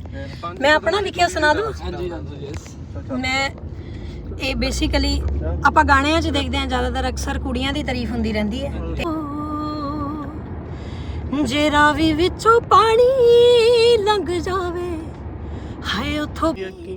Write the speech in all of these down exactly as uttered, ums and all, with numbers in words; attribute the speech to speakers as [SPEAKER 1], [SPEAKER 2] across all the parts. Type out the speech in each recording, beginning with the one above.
[SPEAKER 1] मैं अपना लिखिया सुना दूं? मैं ਇਹ ਬੇਸਿਕਲੀ ਆਪਾਂ ਗਾਣਿਆਂ 'ਚ ਦੇਖਦੇ ਹਾਂ ਜ਼ਿਆਦਾਤਰ ਅਕਸਰ ਕੁੜੀਆਂ ਦੀ ਤਾਰੀਫ ਹੁੰਦੀ ਰਹਿੰਦੀ ਹੈ। ਜੇ ਰਾਵੀ ਵਿੱਚੋਂ ਪਾਣੀ ਲੰਘ ਜਾਵੇ ਹਾਏ ਉਥੋਂ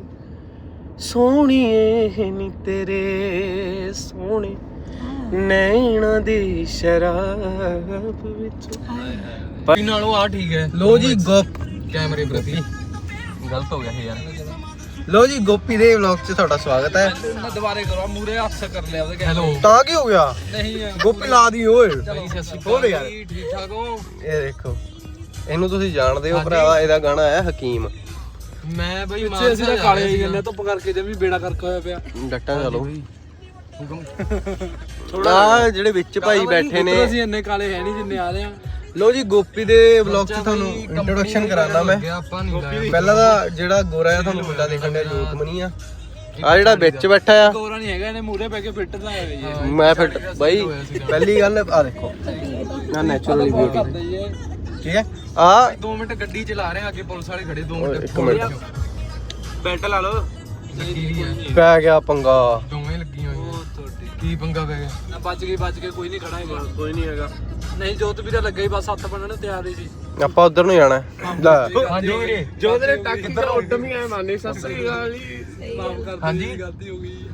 [SPEAKER 2] ਸੋਹਣੀਏ ਨੀ ਤੇਰੇ ਸੋਹਣੇ ਨੈਣਾ ਦੀ ਸ਼ਰਾਬ ਵਿੱਚ
[SPEAKER 3] ਭਾਈ ਨਾਲੋਂ ਆ ਠੀਕ ਹੈ।
[SPEAKER 2] ਲੋ ਜੀ ਗੋਪ
[SPEAKER 3] ਕੈਮਰੇ ਪ੍ਰਤੀ ਗਲਤ ਹੋ ਗਿਆ ਇਹ ਯਾਰ।
[SPEAKER 2] ਲੋ ਜੀ ਗੋਪੀ ਦੇ ਵਲੌਗ 'ਚ ਤੁਹਾਡਾ ਸਵਾਗਤ ਹੈ।
[SPEAKER 3] ਦੁਬਾਰੇ ਕਰੋ ਮੂਰੇ ਹੱਥ ਕਰ ਲਿਆ ਉਹਦੇ ਹੈਲੋ
[SPEAKER 2] ਤਾਂ ਕੀ ਹੋ ਗਿਆ
[SPEAKER 3] ਨਹੀਂ
[SPEAKER 2] ਗੋਪੀ ਲਾ ਦੀ ਓਏ
[SPEAKER 3] ਭਾਈ ਸਤਿ ਸ਼੍ਰੀ
[SPEAKER 2] ਹੋਰ ਯਾਰ
[SPEAKER 3] ਠੀਕ ਠਾਕ ਹੋ?
[SPEAKER 2] ਇਹ ਦੇਖੋ ਇਹਨੂੰ ਤੁਸੀਂ ਜਾਣਦੇ ਹੋ ਭਰਾਵਾ, ਇਹਦਾ ਗਾਣਾ ਹੈ ਹਕੀਮ।
[SPEAKER 3] ਮੈਂ ਬਈ ਮਾਂ ਅਸੀਂ ਤਾਂ ਕਾਲੇ ਆਈ ਜਾਂਦੇ ਧੁੱਪ ਕਰਕੇ ਜਿਵੇਂ ਬੇੜਾ ਕਰਕੇ ਹੋਇਆ ਪਿਆ
[SPEAKER 2] ਡੱਟਾਂ ਚਲੋ ਥੋੜਾ ਜਿਹੜੇ ਵਿੱਚ ਭਾਈ ਬੈਠੇ ਨੇ
[SPEAKER 3] ਅਸੀਂ ਇੰਨੇ ਕਾਲੇ ਹੈ ਨਹੀਂ ਜਿੰਨੇ ਆ ਰਹੇ ਆ।
[SPEAKER 2] ਲੋ ਜੀ ਗੋਪੀ ਦੇ ਵਲੌਗ 'ਚ ਤੁਹਾਨੂੰ ਇੰਟਰੋਡਕਸ਼ਨ ਕਰਾਉਣਾ ਮੈਂ। ਪਹਿਲਾਂ ਤਾਂ ਜਿਹੜਾ ਗੋਰਾ ਆ ਤੁਹਾਨੂੰ ਮੁੰਡਾ ਦੇਖਣ ਦਾ ਜੋਤਮਨੀ ਆ, ਆ ਜਿਹੜਾ ਵਿੱਚ ਬੈਠਾ ਆ
[SPEAKER 3] ਗੋਰਾ ਨਹੀਂ ਹੈਗਾ, ਇਹਨੇ ਮੂਰੇ ਪੈ ਕੇ ਫਿੱਟ ਤਾਂ ਹੈ ਜੀ।
[SPEAKER 2] ਮੈਂ ਫਿੱਟ ਬਾਈ ਪਹਿਲੀ ਗੱਲ ਆ ਦੇਖੋ ਨਾ ਨੈਚੁਰਲੀ ਬਿਊਟੀ ਠੀਕ ਹੈ। ਆ
[SPEAKER 3] ਦੋ ਮਿੰਟ ਗੱਡੀ ਚਲਾ ਰਹੇ ਆ, ਅੱਗੇ ਪੁਲਿਸ ਵਾਲੇ ਖੜੇ ਦੋ ਮਿੰਟ
[SPEAKER 2] ਇੱਕ ਮਿੰਟ
[SPEAKER 3] ਬੈਲਟ ਲਾ ਲਓ।
[SPEAKER 2] ਪੈ ਗਿਆ ਪੰਗਾ
[SPEAKER 3] ਦੋਵੇਂ ਲੱਗੀਆਂ ਹੋਈਆਂ ਤੁਹਾਡੀ ਕੀ ਪੰਗਾ ਪੈ ਗਿਆ? ਨਾ ਬਚ ਗਈ ਬਚ ਕੇ ਕੋਈ ਨਹੀਂ ਖੜਾ ਹੈਗਾ
[SPEAKER 2] ਕੋਈ ਨਹੀਂ ਹੈਗਾ।
[SPEAKER 3] ਨਹੀਂ ਜੋਤ ਵੀਰਾ ਲੱਗਾ ਹੀ ਬਸ ਹੱਥ ਬੰਨਣ ਤਿਆਰ ਹੀ ਸੀ।
[SPEAKER 2] ਆਪਾਂ ਉਧਰ ਨੂੰ ਜਾਣਾ ਲੈ
[SPEAKER 3] ਹਾਂਜੀ ਵੀਰੇ
[SPEAKER 2] ਜੋਤ ਨੇ ਟੱਕ ਇੱਧਰ ਉੱਡ ਵੀ ਆਏ ਮਾਨੇ ਸਤਿ ਸ੍ਰੀ ਅਕਾਲ ਜੀ।
[SPEAKER 3] ਮਾਫ ਕਰ ਦਿਓ ਹਾਂਜੀ ਗਲਤੀ ਹੋ ਗਈ।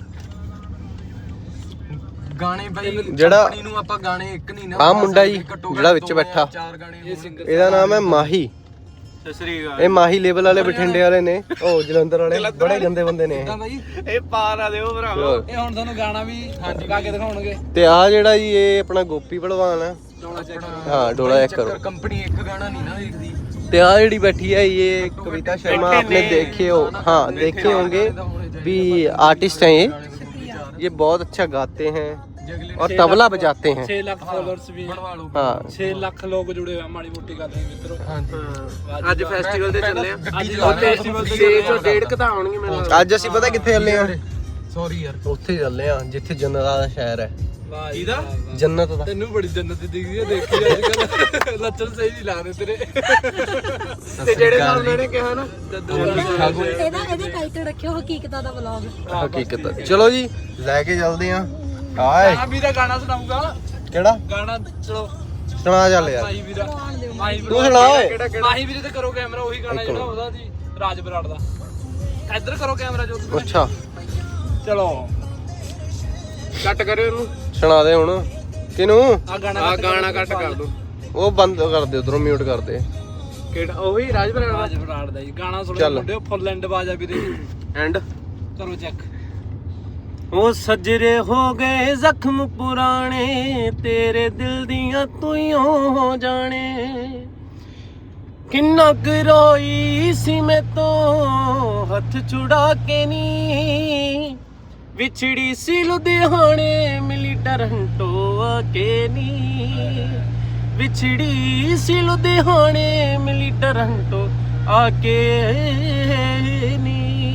[SPEAKER 3] ਗਾਣੇ ਬਾਈ
[SPEAKER 2] ਜਿਹੜਾ
[SPEAKER 3] ਕੰਪਨੀ ਨੂੰ ਆਪਾਂ ਗਾਣੇ ਇੱਕ ਨਹੀਂ ਨਾ
[SPEAKER 2] ਆ ਮੁੰਡਾ ਜੀ ਜਿਹੜਾ ਵਿੱਚ ਬੈਠਾ
[SPEAKER 3] ਚਾਰ ਗਾਣੇ ਇਹ ਸਿੰਗਰ
[SPEAKER 2] ਇਹਦਾ ਨਾਮ ਹੈ ਮਾਹੀ।
[SPEAKER 3] ਸਤਿ ਸ੍ਰੀ ਅਕਾਲ।
[SPEAKER 2] ਇਹ ਮਾਹੀ ਲੇਬਲ ਵਾਲੇ ਬਠਿੰਡੇ ਵਾਲੇ ਨੇ, ਉਹ ਜਲੰਧਰ ਵਾਲੇ ਬੜੇ ਗੰਦੇ ਬੰਦੇ ਨੇ ਇਹ।
[SPEAKER 3] ਬਾਈ
[SPEAKER 2] ਇਹ ਪਾਰ ਆ ਦਿਓ ਭਰਾਵਾ।
[SPEAKER 3] ਇਹ ਹੁਣ ਤੁਹਾਨੂੰ ਗਾਣਾ ਵੀ ਹਾਂਜੀ ਗਾ ਕੇ ਦਿਖਾਉਣਗੇ।
[SPEAKER 2] ਤੇ ਆ ਜਿਹੜਾ ਜੀ ਇਹ ਆਪਣਾ ਗੋਪੀ ਭਲਵਾਨ ਆ। ਹਾਂ ਡੋਲਾ ਚੈੱਕ ਕਰੋ।
[SPEAKER 3] ਕੰਪਨੀ ਇੱਕ ਗਾਣਾ ਨਹੀਂ ਨਾ ਦੇਖਦੀ।
[SPEAKER 2] ਤੇ ਆ ਜਿਹੜੀ ਬੈਠੀ है ये कविता शर्मा, आपने देखे हो हाँ देखे होंगे भी आर्टिस्ट हैं ये ये बहुत अच्छा गाते हैं और तबला बजाते हैं।
[SPEAKER 3] छह लाख फॉलोअर्स भी
[SPEAKER 2] हाँ
[SPEAKER 3] छह लाख लोग जुड़े हुए माड़ी मोटी कर रहे हैं मित्रों। हां
[SPEAKER 2] ਅੱਜ ਫੈਸਟੀਵਲ ਤੇ ਚੱਲੇ ਆ।
[SPEAKER 3] ਅੱਜ ਫੈਸਟੀਵਲ ਤੇ
[SPEAKER 2] ਛੇ ਸੌ ਡੇਢ ਕਦਾ ਆਉਣਗੇ ਮੈਨੂੰ। ਅੱਜ ਅਸੀਂ ਪਤਾ ਕਿੱਥੇ ਚੱਲੇ ਆ?
[SPEAKER 3] ਸੌਰੀ ਯਾਰ
[SPEAKER 2] ਉੱਥੇ ਚੱਲੇ ਆ ਜਿੱਥੇ ਜੰਨਤ ਦਾ ਸ਼ਹਿਰ ਹੈ।
[SPEAKER 3] ਇਹਦਾ
[SPEAKER 2] ਜੰਨਤ ਦਾ
[SPEAKER 3] ਤੈਨੂੰ ਬੜੀ ਜੰਨਤ ਦਿਖਦੀ ਹੈ ਦੇਖੀ ਅੱਜ ਕੱਲ ਲੱਛਣ ਸਹੀ ਨਹੀਂ ਲੱਗਦੇ ਤੇਰੇ।
[SPEAKER 2] ਤੇ ਜਿਹੜੇ ਸਾਹਮਣੇ ਨੇ ਕਿਹਾ ਨਾ
[SPEAKER 1] ਇਹਦਾ ਇਹਦੇ ਟਾਈਟਲ ਰੱਖਿਓ ਹਕੀਕਤਾਂ ਦਾ ਵਲੌਗ।
[SPEAKER 2] ਹਕੀਕਤ। ਚਲੋ ਜੀ ਲੈ ਕੇ ਚੱਲਦੇ ਆ। ਹਾਏ
[SPEAKER 3] ਆ ਵੀਰਾ ਗਾਣਾ ਸੁਣਾਉਂਗਾ।
[SPEAKER 2] ਕਿਹੜਾ
[SPEAKER 3] ਗਾਣਾ ਚਲੋ
[SPEAKER 2] ਸੁਣਾ ਚੱਲ ਯਾਰ।
[SPEAKER 3] ਮਾਹੀ ਵੀਰਾ ਮਾਹੀ ਵੀਰਾ
[SPEAKER 2] ਤੂੰ ਸੁਣਾ ਓਏ।
[SPEAKER 3] ਮਾਹੀ ਵੀਰੇ ਤੇ ਕਰੋ ਕੈਮਰਾ, ਉਹੀ ਗਾਣਾ ਜਿਹੜਾ ਉਹਦਾ ਜੀ ਰਾਜ ਬਰਾੜ ਦਾ। ਇੱਧਰ ਕਰੋ ਕੈਮਰਾ ਜੋ।
[SPEAKER 2] ਅੱਛਾ
[SPEAKER 3] ਚਲੋ ਕੱਟ ਕਰਿਓ ਇਹਨੂੰ।
[SPEAKER 2] ਸੁਣਾ ਦੇ ਹੁਣ ਕਿਨੂੰ।
[SPEAKER 3] ਆ ਗਾਣਾ ਆ ਗਾਣਾ ਕੱਟ ਕਰ ਦੋ।
[SPEAKER 2] ਉਹ ਬੰਦ ਕਰ ਦੇ ਉਧਰੋਂ ਮਿਊਟ ਕਰ ਦੇ।
[SPEAKER 3] ਕਿਹੜਾ ਉਹੀ ਰਾਜ ਬਰਾੜ ਰਾਜ ਬਰਾੜ ਦਾ ਜੀ ਗਾਣਾ ਸੁਣੋ ਮੁੰਡਿਓ ਫੁੱਲ ਐਂਡ ਬਾਜਾ ਵੀਰੇ
[SPEAKER 2] ਐਂਡ
[SPEAKER 3] ਕਰੋ ਚੈੱਕ।
[SPEAKER 2] ਉਹ ਸਜਰੇ ਹੋ ਗਏ ਜ਼ਖਮ ਪੁਰਾਣੇ ਤੇਰੇ ਦਿਲ ਦੀਆਂ ਤੂੰ ਹੋ ਜਾਣੇ ਕਿੰਨਾ ਕੁ ਰੋਈ ਸੀ ਮੈਂ ਤੋਂ ਹੱਥ ਛੁੜਾ ਕੇ ਨੀ ਵਿਛੜੀ ਸੀ ਲੁਧਿਆਣੇ ਮਿਲੀ ਟਰੰਟੋ ਆ ਕੇ ਨੀ ਵਿਛੜੀ ਸੀ ਲੁਧਿਆਣੇ ਮਿਲੀ ਟਰੰਟੋ ਆ ਕੇ ਨੀ।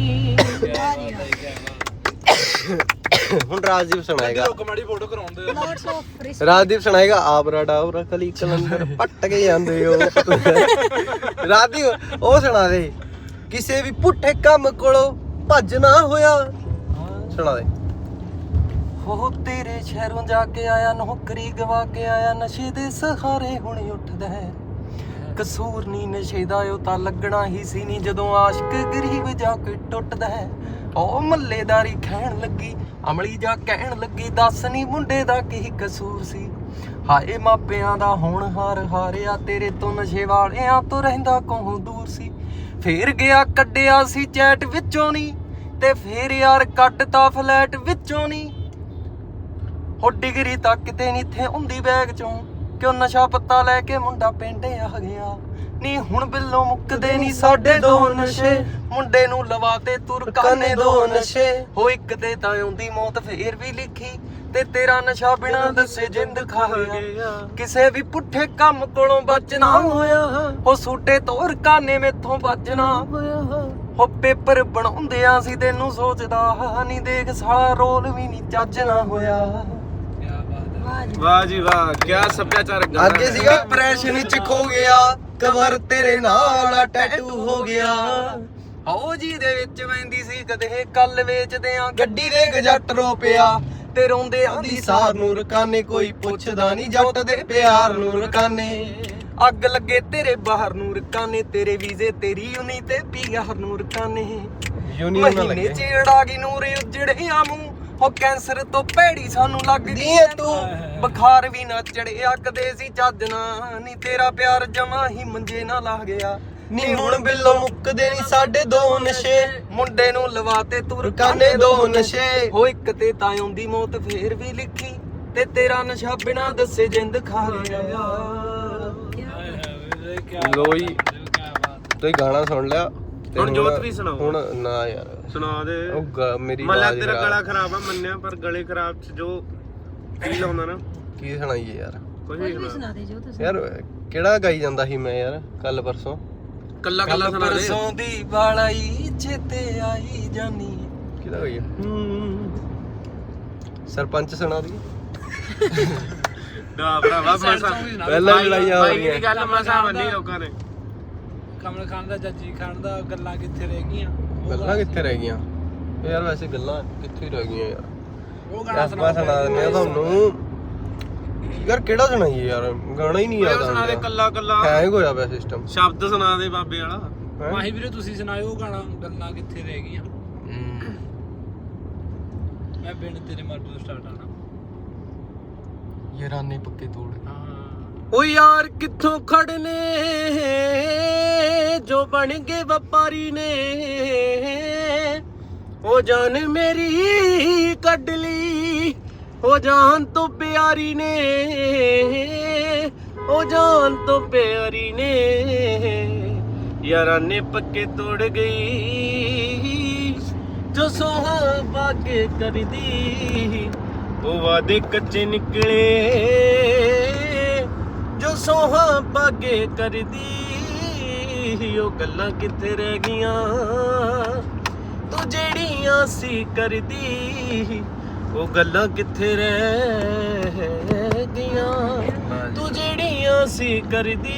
[SPEAKER 2] ਹੁਣ ਰਾਜਦੀਪ ਸੁਣਾਏਗਾ।
[SPEAKER 3] ਕਮਾੜੀ ਫੋਟੋ ਕਰਾਉਂਦੇ
[SPEAKER 1] ਲੋਟਸ ਆਫ ਰਿਸਪੈਕਟ।
[SPEAKER 2] ਰਾਜਦੀਪ ਸੁਣਾਏਗਾ ਆਬਰਾ ਡਾਬਰਾ ਕਲੀ ਕਲੰਦਰ ਪੱਟ ਕੇ ਜਾਂਦੇ ਹੋ। ਰਾਜਦੀਪ ਉਹ ਸੁਣਾ ਦੇ ਕਿਸੇ ਵੀ ਪੁੱਠੇ ਕੰਮ ਕੋਲੋਂ ਭੱਜ ਨਾ ਹੋਇਆ। ਸੁਣਾ ਦੇ। ਹੋ ਤੇਰੇ ਸ਼ਹਿਰੋਂ ਜਾ ਕੇ ਆਇਆ ਨੌਕਰੀ ਗਵਾ ਕੇ ਆਇਆ ਨਸ਼ੇ ਦੇ ਸਹਾਰੇ ਹੁਣ ਉੱਠਦਾ ਹੈ ਕਸੂਰ ਨਹੀਂ ਨਸ਼ੇ ਦਾ ਉਹ ਤਾਂ ਲੱਗਣਾ ਹੀ ਸੀ ਨਹੀਂ ਜਦੋਂ ਆਸ਼ਕ ਗਰੀਬ ਜਾ ਕੇ ਟੁੱਟਦਾ ਹੈ। ਉਹ ਮੱਲੇਦਾਰੀ ਖੈਣ ਲੱਗੀ ਅਮਲੀ ਜਾ ਕਹਿਣ ਲੱਗੀ ਦੱਸ ਨੀ ਮੁੰਡੇ ਦਾ ਕੀ ਕਸੂਰ ਸੀ ਹਾਏ ਮਾਪਿਆਂ ਦਾ ਹੁਣ ਹਾਰ ਹਾਰਿਆ ਤੇਰੇ ਤੋਂ ਨਸ਼ੇ ਵਾਲਿਆਂ ਤੋਂ ਰਹਿੰਦਾ ਕੋਹ ਦੂਰ ਸੀ ਫੇਰ ਗਿਆ ਕੱਢਿਆ ਸੀ ਚੈਟ ਵਿੱਚੋਂ ਨੀ ਤੇ ਫੇਰ ਯਾਰ ਕੱਟਤਾ ਫਲੈਟ ਵਿੱਚੋਂ ਨੀ ਹੋ ਡਿਗਰੀ ਤੱਕ ਕਿਤੇ ਨੀ ਥੇ ਹੁੰਦੀ ਬੈਗ ਚੋਂ ਕਿਉਂ ਨਸ਼ਾ ਪੱਤਾ ਲੈ ਕੇ ਮੁੰਡਾ ਪਿੰਡ ਆ ਗਿਆ ਨੀ ਹੁਣ ਬਿੱਲੋਂ ਮੁੱਕਦੇ ਨੀ ਸਾਡੇ ਦੋ ਨਸ਼ੇ ਮੁੰਡੇ ਨੂੰ ਲਵਾਤੇ ਤੁਰਕਾਨੇ ਦੋ ਨਸ਼ੇ ਹੋ ਇੱਕ ਤੇ ਤਾਂ ਆਉਂਦੀ ਮੌਤ ਫੇਰ ਵੀ ਲਿਖੀ ਤੇ ਤੇਰਾ ਨਸ਼ਾ ਬਿਨਾ ਦੱਸੇ ਜਿੰਦ ਖਾ ਗਿਆ ਕਿਸੇ ਵੀ ਪੁੱਠੇ ਕੰਮ ਕੋਲੋਂ ਬਚਣਾ ਹੋਇਆ ਹੋ ਸੂਟੇ ਤੋਰ ਕਾਨੇ ਮੇਥੋਂ ਬਚਣਾ ਹੋਇਆ ਹੋ ਪੇਪਰ ਬਣਾਉਂਦਿਆਂ ਸੀ ਤੈਨੂੰ ਸੋਚਦਾ ਨਹੀਂ ਦੇਖ ਸਾਲਾ ਰੋਲ ਵੀ ਨਹੀਂ ਚੱਜਣਾ ਹੋਇਆ।
[SPEAKER 4] ਵਾਹ ਜੀ ਵਾਹ, ਕਿਆ ਸੱਭਿਆਚਾਰਕ ਗਾਣਾ।
[SPEAKER 2] ਅੱਗੇ ਸੀਗਾ ਡਿਪਰੈਸ਼ਨ ਵਿੱਚ ਖੋ ਗਿਆ ਕਵਰ ਤੇਰੇ ਨਾਲ ਟੈਟੂ ਹੋ ਗਿਆ ਆਓ ਜੀ ਦੇ ਵਿੱਚ ਵੈਂਦੀ ਸੀ ਕਦੇ ਕੱਲ ਵੇਚਦੇ ਆ ਗੱਡੀ ਦੇ ਗਜੱਟ ਰੋ ਪਿਆ ਤੇ ਰੋਂਦੇ ਆਂਦੀ ਸਾਰ ਨੂੰ ਰਕਾਨੇ ਕੋਈ ਪੁੱਛਦਾ ਨਹੀਂ ਜੱਟ ਦੇ ਪਿਆਰ ਨੂੰ ਰਕਾਨੇ ਅੱਗ ਲੱਗੇ ਤੇਰੇ ਬਾਹਰ ਨੂੰ ਰਕਾਨੇ ਤੇਰੇ ਵੀਜ਼ੇ ਤੇਰੀ ਯੂਨੀ ਤੇ ਪੀਆਰ ਨੂੰ ਰਕਾਨੇ ਯੂਨੀਅਨ ਨਾਲ ਲੱਗੇ ਚੇੜਾ ਗਈ ਨੂਰ ਉਜੜਿਆ ਮੂੰਹ ਹੋ ਕੈਂਸਰ ਤੋਂ ਭੈੜੀ ਸਾਨੂੰ ਲੱਗਦੀ ਏ ਤੂੰ ਬੁਖਾਰ ਵੀ ਨਾ ਚੜਿਆ ਕਦੇ ਸੀ ਚੱਜ ਨਾ ਨੀ ਤੇਰਾ ਪਿਆਰ ਜਮਾ ਹੀ ਮੰਜੇ ਨਾ ਲਾ ਗਿਆ ਨੀ ਹੁਣ ਬਿੱਲੋਂ ਮੁੱਕਦੇ ਨੀ ਸਾਡੇ ਦੋ ਨਸ਼ੇ ਮੁੰਡੇ ਨੂੰ ਲਵਾਤੇ ਤੂੰ ਰਕਾਨੇ ਦੋ ਨਸ਼ੇ ਹੋ ਇੱਕ ਤੇ ਤਾਂ ਆਉਂਦੀ ਮੌਤ ਫੇਰ ਵੀ ਲਿਖੀ ਤੇ ਤੇਰਾ ਨਸ਼ਾ ਬਿਨਾ ਦੱਸੇ ਜਿੰਦ ਖਾ ਗਿਆ ਲੋ ਜੀ ਤੁਸੀਂ ਗਾਣਾ ਸੁਣ ਲਿਆ ਹੁਣ ਜੋਤ ਵੀ ਸੁਣਾਓ ਹੁਣ ਨਾ ਯਾਰ ਸੁਣਾ ਦੇ ਉਹ ਮੇਰੀ ਆਵਾਜ਼ ਤੇਰਾ ਗਲਾ ਖਰਾਬ ਆ ਮੰਨਿਆ ਪਰ ਗਲੇ ਖਰਾਬ ਚ ਜੋ ਫੀਲ ਆਉਂਦਾ ਨਾ ਕੀ ਸੁਣਾਈਏ ਯਾਰ ਕੁਝ ਵੀ ਸੁਣਾ ਦੇ ਜੋ ਤੁਸੀਂ ਯਾਰ ਕਿਹੜਾ ਗਾਈ ਜਾਂਦਾ ਸੀ ਮੈਂ ਯਾਰ ਕੱਲ ਪਰਸੋਂ ਕੱਲਾ ਕੱਲਾ ਸੁਣਾ ਦੇ ਪਰਸੋਂ ਦੀ ਵਾਲਾਈ ਚੇਤੇ ਆਈ ਜਾਨੀ ਕਿਹਦਾ ਗਾਈ ਸਰਪੰਚ ਸੁਣਾ ਦੀ ਦਾ ਭਰਾਵਾ ਮਸਾ ਪਹਿਲਾਂ ਲੜਾਈਆਂ ਹੋ ਰਹੀਆਂ ਇਹ ਗੱਲ ਮਸਾ ਬੰਨੀ ਲੋਕਾਂ ਨੇ ਕਮਲ ਖਾਨ ਦਾ ਜੱਜੀ ਖਾਨ ਦਾ ਗੱਲਾਂ ਕਿੱਥੇ ਰਹਿ ਗਈਆਂ ਗੱਲਾਂ ਕਿੱਥੇ ਰਹਿ ਗਈਆਂ ਯਾਰ ਵੈਸੇ ਗੱਲਾਂ ਕਿੱਥੇ ਰਹਿ ਗਈਆਂ ਯਾਰ ਉਹ ਗਾਣਾ ਸੁਣਾ ਦਿੰਦੇ ਆ ਤੁਹਾਨੂੰ ਯਾਰ ਕਿਹੜਾ ਸੁਣਾਈਏ ਯਾਰ ਗਾਣਾ ਹੀ ਨਹੀਂ ਆਦਾ ਸੁਣਾ ਦੇ ਕੱਲਾ ਕੱਲਾ ਹੈਂਗ ਹੋਇਆ ਪਿਆ ਸਿਸਟਮ ਸ਼ਬਦ ਸੁਣਾ ਦੇ ਬਾਬੇ ਵਾਲਾ ਮਾਹੀ ਵੀਰੇ ਤੁਸੀਂ ਸੁਣਾਇਓ ਉਹ ਗਾਣਾ ਗੱਲਾਂ ਕਿੱਥੇ ਰਹਿ ਗਈਆਂ ਮੈਂ ਬਿਨ ਤੇਰੇ ਮਰ ਤੋਂ ਸਟਾਰਟ ਆਣਾ ਯਾਰਾਨੇ ਪੱਕੇ ਤੋੜ ਓ ਯਾਰ ਕਿੱਥੋਂ ਖੜਨੇ ਜੋ ਬਣ ਗਏ ਵਪਾਰੀ ਨੇ ਉਹ ਜਾਨ ਮੇਰੀ ਕੱਢ ਲਈ ਉਹ ਜਾਨ ਤੋਂ ਪਿਆਰੀ ਨੇ ਉਹ ਜਾਨ ਤੋਂ ਪਿਆਰੀ ਨੇ ਯਾਰਾਂ ਨੇ ਪੱਕੇ ਤੋੜ ਗਈ ਜੋ ਸੋਹਾਂ ਬਾਗੇ ਕਰਦੀ ਉਹ ਵਾਦੇ ਕੱਚੇ ਨਿਕਲੇ ਜੋ ਸੋਹਾਂ ਬਾਗੇ ਕਰਦੀ ਉਹ ਗੱਲਾਂ ਕਿੱਥੇ ਰਹਿ ਗਈਆਂ ਤੂੰ ਜਿਹੜੀਆਂ ਸੀ ਕਰਦੀ ਉਹ ਗੱਲਾਂ ਕਿੱਥੇ ਰਹਿ ਗਈਆਂ ਤੂੰ ਜਿਹੜੀਆਂ ਸੀ ਕਰਦੀ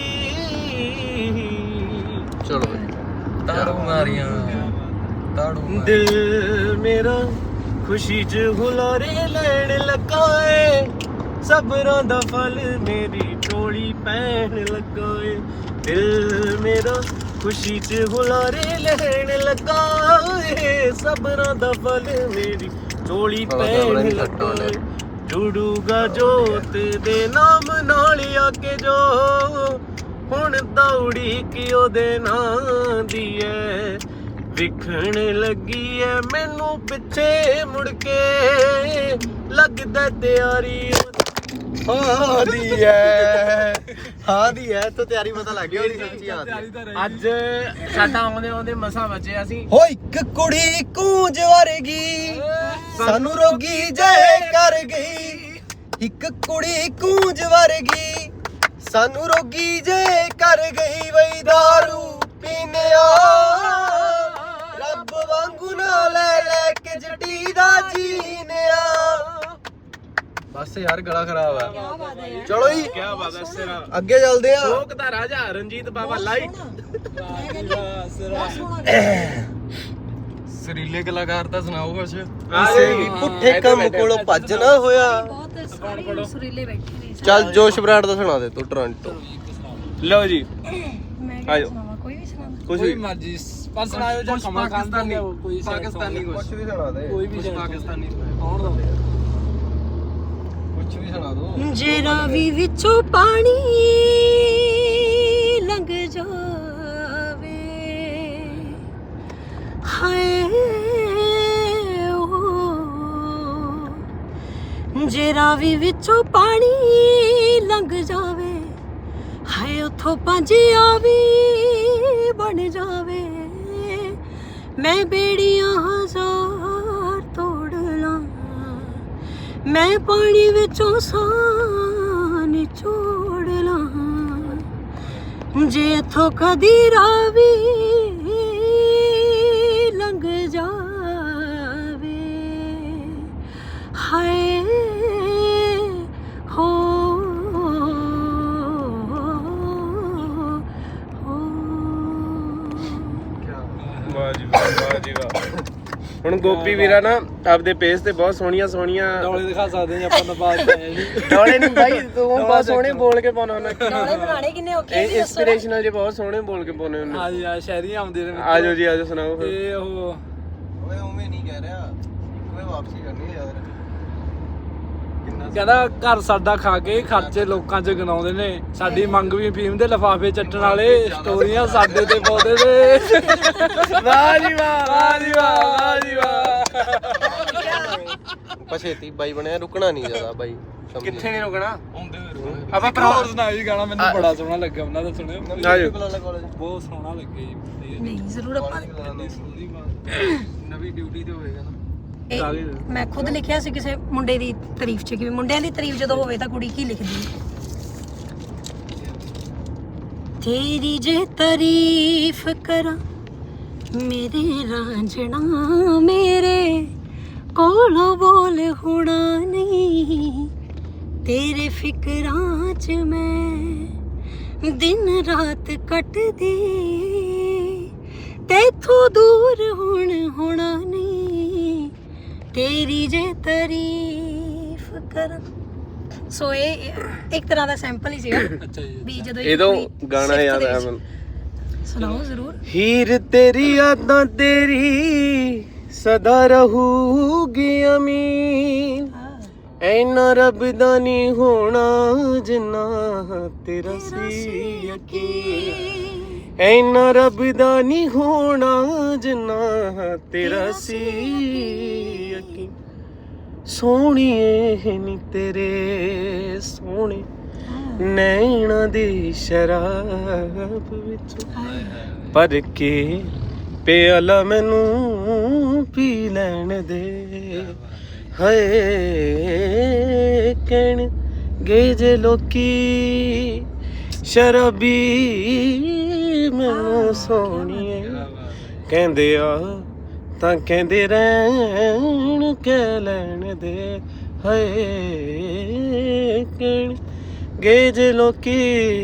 [SPEAKER 2] ਚਲੋ ਤਾੜੂ ਮਾਰੀਆਂ ਤਾੜੂ ਦਿਲ ਮੇਰਾ ਖੁਸ਼ੀ ਚ ਹੁਲਾਰੇ ਲੈਣ ਲੱਗਾ ਏ ਸਬਰਾਂ ਦਾ ਫਲ ਮੇਰੀ ਝੋਲੀ ਪੈਣ ਲੱਗਾ ਏ ਦਿਲ ਮੇਰਾ ਖੁਸ਼ੀ ਚ ਹੁਲਾਰੇ ਲੈਣ ਲੱਗਾ ਏ ਸਬਰਾਂ ਦਾ ਫਲ ਮੇਰੀ ਝੋਲੀ ਪੈਣ ਲੱਗਾ ਏ ਜੁੜੂਗਾ ਜੋਤ ਦੇ ਨਾਮ ਨਾਲ ਆ ਕੇ ਜੋ ਹੁਣ ਦੌੜੀ ਕਿ ਉਹਦੇ ਨਾਂ ਦੀ ਐ ਵਿਖਣ ਲੱਗੀ ਐ ਮੈਨੂੰ ਪਿੱਛੇ ਮੁੜ ਕੇ ਲੱਗਦਾ ਤਿਆਰੀ ਹਾਂ ਦੀ ਐ ਹਾਂ ਦੀ ਐ ਤਾਂ ਤਿਆਰੀ ਪਤਾ ਲੱਗ ਗਈ ਉਹਦੀ ਸੱਚੀ ਆ ਅੱਜ ਸਾਡਾ ਆਉਂਦੇ ਆਉਂਦੇ ਮਸਾਂ ਬਚੇ ਅਸੀਂ ਹੋ ਇੱਕ ਕੁੜੀ ਕੂੰਜ ਵਰਗੀ ਸਾਨੂੰ ਰੋਗੀ ਜੈ ਕਰ ਗਈ ਇੱਕ ਕੁੜੀ ਕੂੰਜ ਵਰਗੀ ਸਾਨੂੰ ਰੋਗੀ ਜੈ ਕਰ ਗਈ ਵਈ ਦਾਰੂ ਪੀਨਿਆ ਰੱਬ ਵਾਂਗੂ ਨਾ ਲੈ ਲੈ ਕੇ ਜੱਟੀ ਦਾ ਜੀਨਿਆ ਬਸ ਯਾਰ ਗਲਾ ਖਰਾਬ ਆ ਚਲੋ ਜੀ ਕੀ ਬਾਤ ਹੈ ਸਿਰਾ ਅੱਗੇ ਚੱਲਦੇ ਆ ਲੋਕ ਦਾ ਰਾਜਾ ਰਣਜੀਤ ਬਾਬਾ ਲਾਈਟ ਸਰੀਲੇ ਕਲਾਕਾਰ ਤਾਂ ਸੁਣਾਓ ਕੁਛ ਕਿਸੇ ਵੀ ਪੁੱਠੇ ਕੰਮ ਕੋਲੋਂ ਭੱਜ ਨਾ ਹੋਇਆ
[SPEAKER 1] ਬਹੁਤ ਸਾਰੇ ਸੁਰੀਲੇ ਬੈਠੇ ਨੇ
[SPEAKER 2] ਚੱਲ ਜੋਸ਼ ਬਰਾੜ ਦਾ ਸੁਣਾ ਦੇ ਤੂੰ ਟੋਰਾਂਟੋ ਲਓ ਜੀ
[SPEAKER 1] ਆਜੋ ਕੋਈ ਵੀ ਸੁਣਾ
[SPEAKER 2] ਕੁਝ ਵੀ
[SPEAKER 3] ਮਰਜੀ ਪਰ ਸੁਣਾਇਓ ਜਾਂ ਕਮਲ ਖਾਨ ਦਾ ਕੋਈ
[SPEAKER 2] ਪਾਕਿਸਤਾਨੀ ਕੁਝ ਵੀ ਸੁਣਾ ਦੇ
[SPEAKER 3] ਕੋਈ ਵੀ
[SPEAKER 2] ਪਾਕਿਸਤਾਨੀ
[SPEAKER 3] ਕੌਣ ਦਾ
[SPEAKER 2] ਕੁਝ ਵੀ ਸੁਣਾ ਦੋ
[SPEAKER 1] ਜੇ ਰਾਵੀ ਵਿੱਚੋਂ ਪਾਣੀ ਲੰਘ ਜਾਵੇ ਹਾਏ ਓ ਜੇ ਰਾਵੀ ਵਿੱਚੋਂ ਪਾਣੀ ਲੰਘ ਜਾਵੇ ਹਾਏ ਉਥੋਂ ਪੰਜਿਆ ਵੀ ਬਣ ਜਾਵੇ ਮੈਂ ਬੇੜੀਆਂ ਹਜ਼ਾਰ ਤੋੜ ਲਾਂ ਮੈਂ ਪਾਣੀ ਵਿੱਚੋਂ ਸਾਹ ਨਿਚੋੜ ਲਾਂ ਜੇ ਇਥੋਂ ਕਦੀ ਰਾਵੀ ਲੰਘ ਜਾਵੇ ਹਾਏ ਹੋ
[SPEAKER 4] ਵਾਹ ਜੀ ਵਾਹ। ਹੁਣ ਗੋਪੀ ਵੀਰਾ ਨਾ ਆਪਦੇ ਪੇਜ ਤੇ ਬਹੁਤ ਸੋਹਣੀਆਂ ਸੋਹਣੀਆਂ
[SPEAKER 3] ਡੋਲੇ ਦਿਖਾ ਸਕਦੇ ਜੀ ਆਪਾਂ ਨਵਾਜ਼ ਆਏ ਜੀ
[SPEAKER 4] ਡੋਲੇ ਨਹੀਂ ਬਾਈ ਤੂੰ ਬਹੁਤ ਸੋਹਣੇ ਬੋਲ ਕੇ ਪਾਉਣਾ ਉਹਨਾਂ
[SPEAKER 1] ਡੋਲੇ ਬਣਾਣੇ ਕਿੰਨੇ ਔਖੇ
[SPEAKER 4] ਇਹ ਇੰਸਪੀਰੇਸ਼ਨਲ ਜੇ ਬਹੁਤ ਸੋਹਣੇ ਬੋਲ ਕੇ ਪਾਉਣੇ ਉਹਨੇ।
[SPEAKER 3] ਹਾਂ ਜੀ ਆ ਸ਼ਾਇਰੀਆਂ ਆਉਂਦੀਆਂ ਨੇ
[SPEAKER 4] ਆਜੋ ਜੀ ਆਜੋ ਸੁਣਾਓ ਫਿਰ।
[SPEAKER 3] ਤੇ ਉਹ
[SPEAKER 2] ਓਏ ਉਵੇਂ ਨਹੀਂ ਕਹਿ ਰਿਹਾ ਕੋਈ ਵਾਪਸੀ ਕਰਨੀ ਹੈ ਯਾਰ ਕਿੰਨਾ
[SPEAKER 3] ਕਹਿੰਦਾ ਘਰ ਸਾਡਾ ਖਾ ਕੇ ਖਰਚੇ ਲੋਕਾਂ 'ਚ ਗਨਾਉਂਦੇ ਨੇ, ਸਾਡੀ ਮੰਗ ਵੀ ਫੀਮ ਦੇ ਲਿਫਾਫੇ ਚੱਟਣ ਵਾਲੇ, ਸਟੋਰੀਆਂ ਸਾਡੇ ਤੇ ਪਾਉਂਦੇ ਨੇ।
[SPEAKER 4] ਵਾਹ ਜੀ ਵਾਹ ਵਾਹ ਜੀ ਵਾਹ ਵਾਹ ਜੀ ਵਾਹ।
[SPEAKER 2] ਪਛੇਤੀ ਬਾਈ ਬਣਿਆ ਰੁਕਣਾ ਨਹੀਂ ਜ਼ਿਆਦਾ ਬਾਈ ਸਮਝੀ।
[SPEAKER 4] ਕਿੱਥੇ ਨਹੀਂ ਰੁਕਣਾ
[SPEAKER 3] ਆਪਾਂ
[SPEAKER 4] ਆਪਾਂ
[SPEAKER 3] ਭਰਾ
[SPEAKER 4] ਭਰਾ
[SPEAKER 3] ਸੁਣਾਇਆ ਜੀ ਗਾਣਾ, ਮੈਨੂੰ ਬੜਾ ਸੋਹਣਾ ਲੱਗਾ ਉਹਨਾਂ ਦਾ, ਸੁਣਿਓ
[SPEAKER 4] ਆਜੋ।
[SPEAKER 3] ਬਹੁਤ ਸੋਹਣਾ ਲੱਗਿਆ ਜੀ ਵਧੀਆ।
[SPEAKER 1] ਨਹੀਂ ਜ਼ਰੂਰ ਆਪਾਂ
[SPEAKER 3] ਨਵੀਂ ਡਿਊਟੀ ਤੇ ਹੋਏਗਾ ਨਾ।
[SPEAKER 1] ਇਹ ਮੈਂ ਖੁਦ ਲਿਖਿਆ ਸੀ ਕਿਸੇ ਮੁੰਡੇ ਦੀ ਤਾਰੀਫ 'ਚ ਕਿ ਮੁੰਡਿਆਂ ਦੀ ਤਾਰੀਫ ਜਦੋਂ ਹੋਵੇ ਤਾਂ ਕੁੜੀ ਕੀ ਲਿਖਦੀ ਹੈ। ਤੇਰੀ ਜੇ ਤਾਰੀਫ ਕਰਾਂ ਮੇਰੇ ਰਾਂਝਣਾ ਮੇਰੇ ਕੋਲੋਂ ਬੋਲ ਹੋਣਾ ਨਹੀਂ, ਤੇਰੇ ਫਿਕਰਾਂ 'ਚ ਮੈਂ ਦਿਨ ਰਾਤ ਕੱਟਦੀ, ਤੇਥੋਂ ਦੂਰ ਹੁਣ ਹੋਣਾ ਨਹੀਂ, ਤੇਰੀ ਜੇ ਤਾਰੀਫ ਕਰਾਂ। ਸੋ ਇਹ ਇੱਕ ਤਰ੍ਹਾਂ ਦਾ ਸੈਂਪਲ ਹੀ ਸੀਗਾ
[SPEAKER 3] ਅੱਛਾ ਜੀ।
[SPEAKER 1] ਵੀ ਜਦੋਂ
[SPEAKER 4] ਇਹ ਤੋਂ
[SPEAKER 1] ਕੁੜੀ
[SPEAKER 4] ਗਾਣਾ
[SPEAKER 1] ਸਿਫਤ
[SPEAKER 4] ਯਾਦ
[SPEAKER 1] ਦੇ
[SPEAKER 4] ਆਇਆ
[SPEAKER 1] ਵਿੱਚ-
[SPEAKER 4] ਮੈਨੂੰ।
[SPEAKER 1] ਸੁਣਾਓ ਜ਼ਰੂਰ।
[SPEAKER 4] ਹੀਰ ਤੇਰੀ ਯਾਦਾਂ ਤੇਰੀ ਸਦਾ ਰਹੂਗੀ ਅਮੀਨ, ਐਨਾ ਰੱਬ ਦਾ ਨਹੀਂ ਹੋਣਾ ਜਿੰਨਾ ਤੇਰਾ ਸੀ ਯਕੀਨ, ਐਨਾ ਰੱਬ ਦਾ ਨਹੀਂ ਹੋਣਾ ਜਿੰਨਾ ਤੇਰਾ ਸੀ ਯਕੀਨ, ਸੋਹਣੀਏ ਨੀ ਤੇਰੇ ਸੋਹਣੇ ਨੈਣਾ ਦੀ ਸ਼ਰਾਬ ਵਿੱਚ ਪਰ ਕੇ ਪਿਆਲਾ ਮੈਨੂੰ ਪੀ ਲੈਣ ਦੇ, ਹਾਏ ਕਹਿਣ ਗੇ ਜੇ ਲੋਕੀ ਸ਼ਰਾਬੀ ਮੈਨੂੰ ਸੋਹਣੀਏ, ਕਹਿੰਦੇ ਆ ਤਾਂ ਕਹਿੰਦੇ ਰਹਿਣ ਕਹਿ ਲੈਣ ਦੇ, ਹਾਏ ਕਹਿਣ ਗੇ ਜੇ ਲੋਕੀ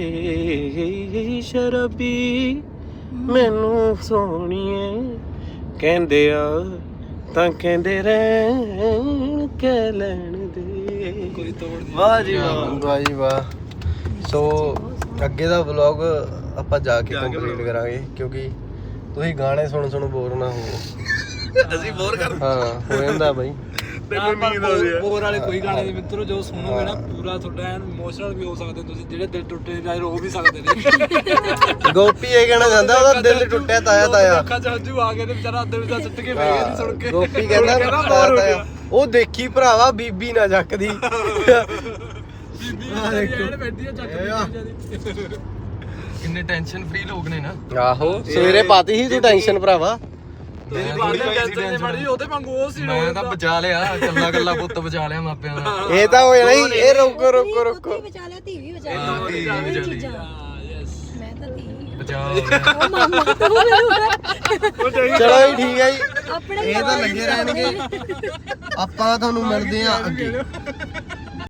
[SPEAKER 4] ਸ਼ਰਾਬੀ ਮੈਨੂੰ ਸੋਹਣੀਏ, ਕਹਿੰਦੇ ਆ ਤਾਂ ਕਹਿੰਦੇ ਰਹਿਣ ਕਹਿ ਲੈਣ ਦੇ।
[SPEAKER 3] ਕੋਈ ਤੋੜ ਨਹੀਂ।
[SPEAKER 4] ਵਾਹ ਜੀ ਵਾਹ।
[SPEAKER 2] ਵਾਹ ਜੀ ਵਾਹ। ਸੋ ਅੱਗੇ ਦਾ ਵਲੌਗ ਆਪਾਂ ਜਾ ਕੇ ਕੰਪਲੀਟ ਕਰਾਂਗੇ ਕਿਉਂਕਿ ਤੁਸੀਂ ਗਾਣੇ ਸੁਣ ਸੁਣ ਬੋਰ ਨਾ ਹੋਵੋ।
[SPEAKER 4] ਅਸੀਂ ਬੋਰ ਕਰ
[SPEAKER 2] ਹਾਂ ਹੋ ਜਾਂਦਾ ਬਾਈ।
[SPEAKER 3] ਤੈਨੂੰ ਨੀਂਦ ਆਉਂਦੀ ਹੈ। ਬੋਰ ਵਾਲੇ ਕੋਈ ਗਾਣੇ ਨਹੀਂ ਮਿੱਤਰੋ, ਜੋ ਸੁਣੋਗੇ ਨਾ ਪੂਰਾ ਤੁਹਾਡਾ ਐਨ ਇਮੋਸ਼ਨਲ ਵੀ ਹੋ ਸਕਦੇ, ਤੁਸੀਂ ਜਿਹੜੇ ਦਿਲ ਟੁੱਟੇ ਜਾਏ ਰੋ ਵੀ ਸਕਦੇ ਨੇ।
[SPEAKER 2] ਗੋਪੀ ਇਹ ਕਹਿਣਾ ਚਾਹੁੰਦਾ ਉਹਦਾ ਦਿਲ ਟੁੱਟਿਆ ਤਾਇਆ ਤਾਇਆ।
[SPEAKER 3] ਅੱਖਾਂ 'ਚ ਹੰਝੂ ਆ ਗਏ ਤੇ ਵਿਚਾਰਾ ਅੰਦਰ ਵਿਚਾਰਾ ਸੁੱਟ ਕੇ ਪੈ ਗਿਆ ਜੀ ਸੁਣ ਕੇ।
[SPEAKER 2] ਗੋਪੀ ਕਹਿੰਦਾ ਤਾਇਆ ਤਾਇਆ ਉਹ ਦੇਖੀ ਭਰਾਵਾ ਬੀਬੀ ਨਾ ਚੱਕਦੀ।
[SPEAKER 3] ਬੀਬੀ ਐਨ ਬੈਠੀ ਆ ਚੱਕ ਦੀ।
[SPEAKER 5] ਕਿੰਨੇ ਟੈਨਸ਼ਨ ਫ੍ਰੀ ਲੋਕ ਨੇ ਨਾ।
[SPEAKER 2] ਆਹੋ ਸਵੇਰੇ ਪਾਤੀ ਸੀ ਤੂੰ ਟੈਨਸ਼ਨ ਭਰਾਵਾ।
[SPEAKER 3] ਤੇਰੀ ਬਾਤ ਟੈਨਸ਼ਨ ਨਹੀਂ ਮੜੀ, ਉਹਦੇ ਵਾਂਗੂ ਉਹ ਸੀ।
[SPEAKER 5] ਮੈਂ ਤਾਂ ਬਚਾ ਲਿਆ, ਕੱਲਾ ਕੱਲਾ ਪੁੱਤ ਬਚਾ ਲਿਆ ਮਾਪਿਆਂ ਦਾ।
[SPEAKER 2] ਇਹ ਤਾਂ ਹੋ ਜਾਣਾ ਹੀ। ਇਹ ਰੁਕੋ ਰੁਕੋ ਰੁਕੋ।
[SPEAKER 1] ਧੀ ਬਚਾ ਲਿਆ, ਧੀ ਵੀ ਬਚਾ
[SPEAKER 5] ਹਾਂ,
[SPEAKER 1] ਲਿਆ,
[SPEAKER 5] ਧੀ ਵੀ
[SPEAKER 1] ਦੋਵੇਂ
[SPEAKER 5] ਬਚਾ ਲਈ।
[SPEAKER 1] ਚੀਜ਼ਾਂ।
[SPEAKER 3] ਹਾਂ ਯੈਸ।
[SPEAKER 1] ਮੈਂ ਤਾਂ ਧੀ ਵੀ ਆ।
[SPEAKER 5] ਬਚਾ ਹੋ ਗਿਆ।
[SPEAKER 1] ਉਹ ਮਾਮਾ ਤੂੰ ਮੈਨੂੰ
[SPEAKER 2] ਚਲੋ ਜੀ ਠੀਕ ਹੈ ਜੀ।
[SPEAKER 1] ਆਪਣੇ
[SPEAKER 2] ਇਹ ਤਾਂ ਲੱਗੇ ਰਹਿਣਗੇ। ਆਪਾਂ ਤੁਹਾਨੂੰ ਮਿਲਦੇ ਆ ਅੱਗੇ।